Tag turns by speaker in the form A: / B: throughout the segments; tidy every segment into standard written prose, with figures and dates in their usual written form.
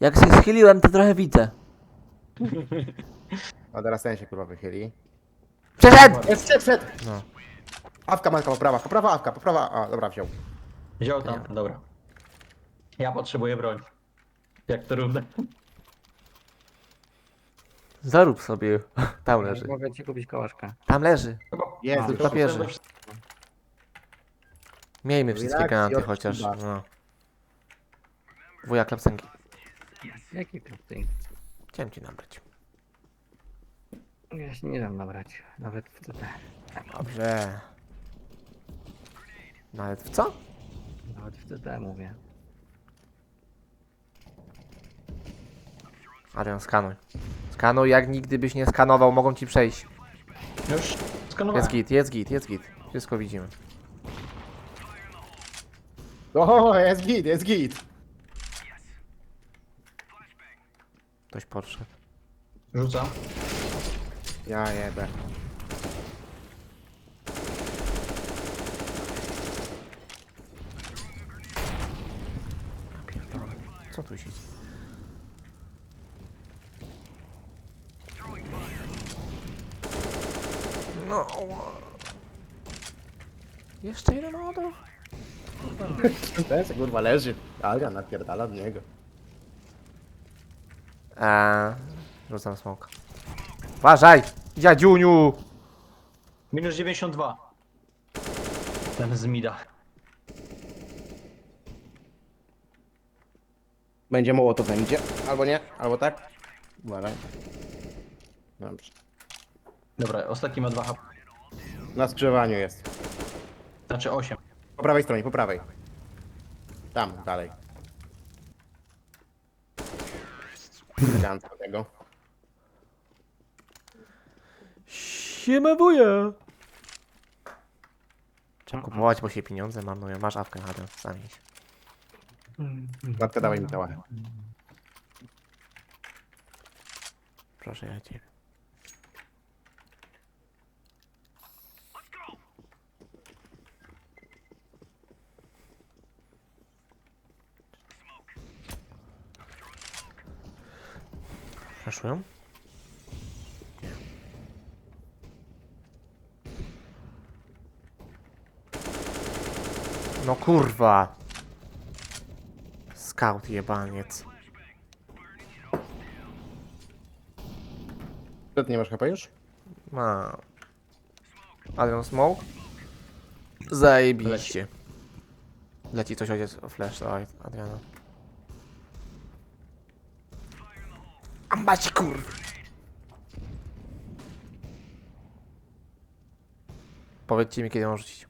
A: Jak się schyliłem, to trochę widzę.
B: A teraz ten się kurwa wychyli.
A: Przeszedł!
B: Jest, przed!
A: No.
B: Awka Manka, poprawa awka, poprawa. A, dobra, wziął.
C: Wziął tam, dobra. Ja potrzebuję broń. Jak to równe?
A: Zarób sobie. Tam leży.
D: Mogę ci kupić kołaszka.
A: Tam leży.
B: Jest,
A: tylko papierze. Miejmy wszystkie
B: Relacji
A: granaty
B: od
A: chociaż.
B: Kuba.
A: No. Wuja klapsenki.
D: Jaki klub ty?
A: Chciałem ci nabrać.
D: Ja się nie dam nabrać. Nawet w CT.
A: Dobrze. Nawet w co?
D: Nawet w CT mówię.
A: Adrian, skanuj. Skanuj, jak nigdy byś nie skanował, mogą ci przejść.
C: Już skanowałem.
A: Jest git, jest git, jest git. Wszystko widzimy.
B: O, jest git, jest git.
A: Ktoś podszedł.
C: Rzucam.
B: Ja jebę.
A: Co tu się dzieje? No. Jeszcze jeden odor?
B: Ten se kurwa leży. Alga napierdala od niego.
A: Rzucam smoka. Uważaj! Dziadziuniu!
C: Minus 92. Ten z mida.
B: Będzie mało to będzie. Albo nie, albo tak. Uważaj. Dobrze.
C: Dobra, ostatni ma 2 HP.
B: Na skrzyżowaniu jest.
C: Znaczy 8.
B: Po prawej stronie, po prawej. Tam, dalej. Elegancko tego.
A: Siema wuja! Trzeba kupować, bo się pieniądze marnują. Masz awkę, Adam, zamień się.
B: Matka, dawaj mi tałachę.
A: Proszę ja ciebie. Przeszłem? Nie. No kurwa! Scout jebaniec.
B: Co, ty nie masz HP już?
A: Ma. Adrian Smoke? Zajebiście. Leci coś ojciec o flash, dawaj Adriana. Ambać kurwa! Powiedzcie mi, kiedy mam rzucić.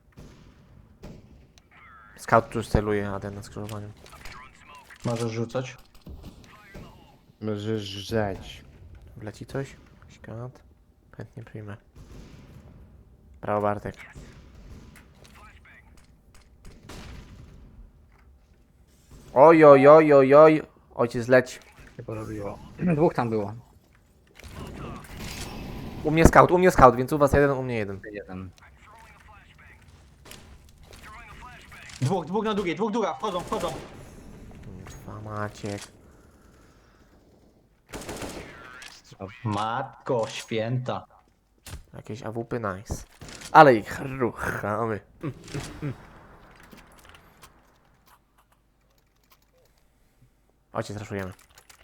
A: Scout tu już celuje Adrian na skrzyżowaniu.
C: Możesz rzucać.
B: Możesz żreć.
A: Wleci coś? Jakiś granat? Chętnie przyjmę. Brawo Bartek. Oj, oj, oj, oj, oj. Ojciec leć.
D: Się porobiło. Dwóch tam było.
A: U mnie scout, więc u was jeden, u mnie jeden.
D: Jeden.
C: Dwóch na długiej, dwóch długa, wchodzą.
A: Kurwa Maciek.
C: Matko święta.
A: Jakieś AWP nice. Ale ich ruchamy. Ojciec raszujemy.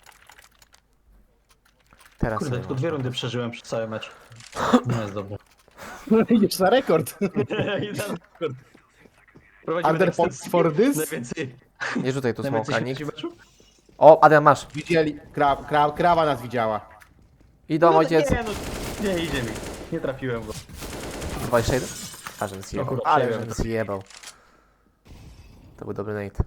A: Teraz
C: Kurde,
A: sobie
C: tylko
A: można.
C: 2 rundy przeżyłem przez cały mecz. Nie jest dobrze.
B: Idziesz na rekord. Under points for this?
C: Najwięcej
A: Nie rzucaj tu smoka,
C: śmierci
A: nikt.
C: w meczu?
A: O, Adrian masz.
B: Widzieli, krawa nas widziała.
A: Idą ojciec.
C: Nie, no, nie idzie mi. Nie trafiłem go.
A: 21? A, żebym zjebał.
C: kurwa,
A: Ale
C: przejąłem
A: żebym zjebał. To był dobry nate.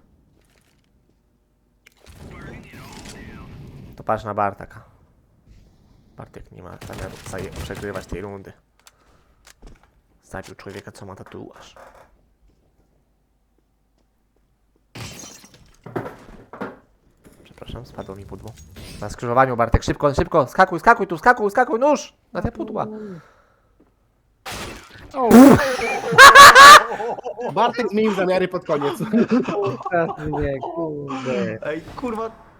A: To patrz na Bartaka. Bartek nie ma zamiaru przegrywać tej rundy. Zabił człowieka, co ma tatuaż. Przepraszam, spadło mi pudło. Na skrzyżowaniu Bartek, szybko, szybko, skakuj, skakuj tu, skakuj, nóż! Na te pudła.
B: Bartek zmienił zamiary pod koniec.
D: Nie, kurde.
C: Ej, kurwa,